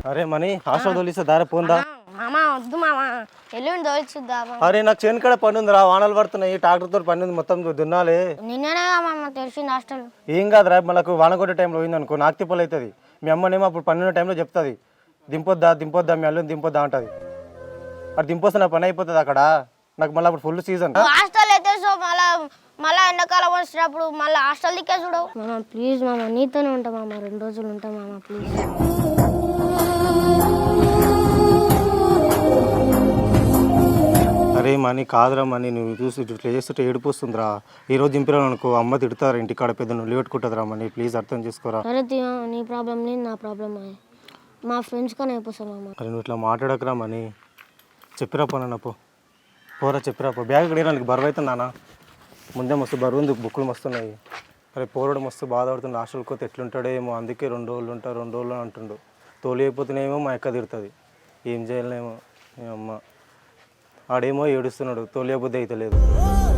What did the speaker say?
అరే money hostel తోలిస్తే దారి పోందా? మామ వద్దు మామ, ఎల్లుండి తోలిచుద్దా. అరే నాకు చేను కాడ పని ఉందిరా, వానలు పడుతున్నాయి, ట్రాక్టర్తో పని ఉంది, మొత్తం దున్నాలి. నిన్ననే మామ తెలిసింది హాస్టల్. ఏం కాదురా, మనకు వాన కొట్టే టైంలో పోయిందనుకో నాకు తిప్పలు అవుతుంది. మీ అమ్మనేమో అప్పుడు పని ఉన్న టైంలో చెప్తుంది, దింపొద్దా దింపొద్దా మీ అల్లుని దింపొద్దా అంటది. అటు దింపొస్తే నా పని అయిపోతుంది అక్కడ. నాకు మళ్ళీ అప్పుడు ఫుల్ సీజన్. హాస్టల్ అయితే సో మళ్ళా ఎండాకాలం వచ్చినప్పుడు మళ్ళీ హాస్టల్ దిక్కే చూడవు. మామ ప్లీజ్ మామ, నీతోనే ఉంటా మామ, 2 రోజులు ఉంటా మామ ప్లీజ్. అరే మనీ కాదురా మనీ, నువ్వు చూసి ఇట్లా చేస్తుంటే ఏడుపు వస్తుందిరా. ఈ రోజు దింపిరాను అనుకో అమ్మ తిడతారు, ఇంటికాడ పెద్ద నువ్వు పెట్టుకుంటుందిరా మనీ, ప్లీజ్ అర్థం చేసుకోరా. సరే నీ ప్రాబ్లం లేదు, నా ప్రాబ్లం మా ఫ్రెండ్స్ కానీ అయిపోతాం మామ. అరే నువ్వు ఇట్లా మాట్లాడకరా మనీ, చెప్పిరా పోనా పోరా చెప్పిరా పో. బ్యాగ్ కడిగడానికి బరువు అవుతుంది నాన్న, ముందే మస్తు బరువు ఉంది, బుక్కులు మస్తున్నాయి. అరే పోరడు మస్తు బాధపడుతుంది, హాస్టల్కి పోతే ఎట్లుంటాడేమో, అందుకే 2 రోజులు ఉంటా 2 రోజులు అంటుండు. తోలి అయిపోతేనేమో మా అక్క తిడుతుంది, ఏం చేయలేమో. మీ అమ్మ ఆడేమో ఏడుస్తున్నాడు, తోలియబుద్ధి అయితే లేదు.